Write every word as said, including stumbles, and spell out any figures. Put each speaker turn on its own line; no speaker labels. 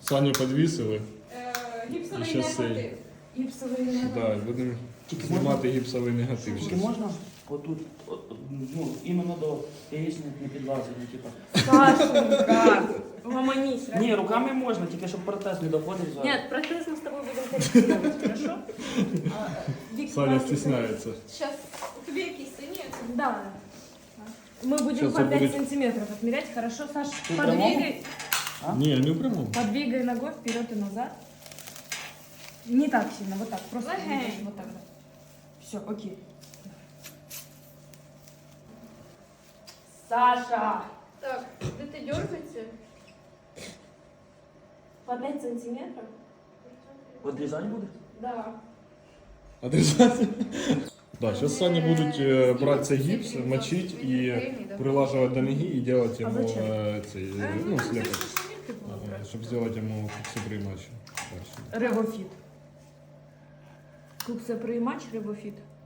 Саню підвісили.
Е,
І
Гіпсовий
щас цей.
негатив.
Гіпсовий негатив.
Да, будемо знімати гіпсовий негатив.
Тільки
щас.
можна отут, от, от, ну, іменно до яєчник не підлазити, ну, типа.
Сашенька, угомонись.
Ні, руками можна, тільки щоб протез не доходив зараз.
Нет, протез мы с тобой будем корректировать, хорошо? А, Вик,
Саня
нас-
стесняється.
Щас, тобі якісь сині?
Да. Мы будем
Сейчас
по пять
будет-
сантиметров отмерять, хорошо, Саш?
Ты
Подвигай,
Ні, не в прямому.
подвигай ногой вперед и назад. Не так сильно, вот так, просто
Легенько.
двигаешь вот так. Все, окей. Саша!
Так, де ти дергається?
По пять сантиметров?
Одрізати буде?
Да.
Отрезати? Да, сейчас Саня будуть е, брати цей гіпс, мочить і прилаживать до ноги і делать
А
йому
зачем?
е, цей, е, ну, слепок, щоб зробити йому супримач.
Ревофит. Кукса матч Ревофит.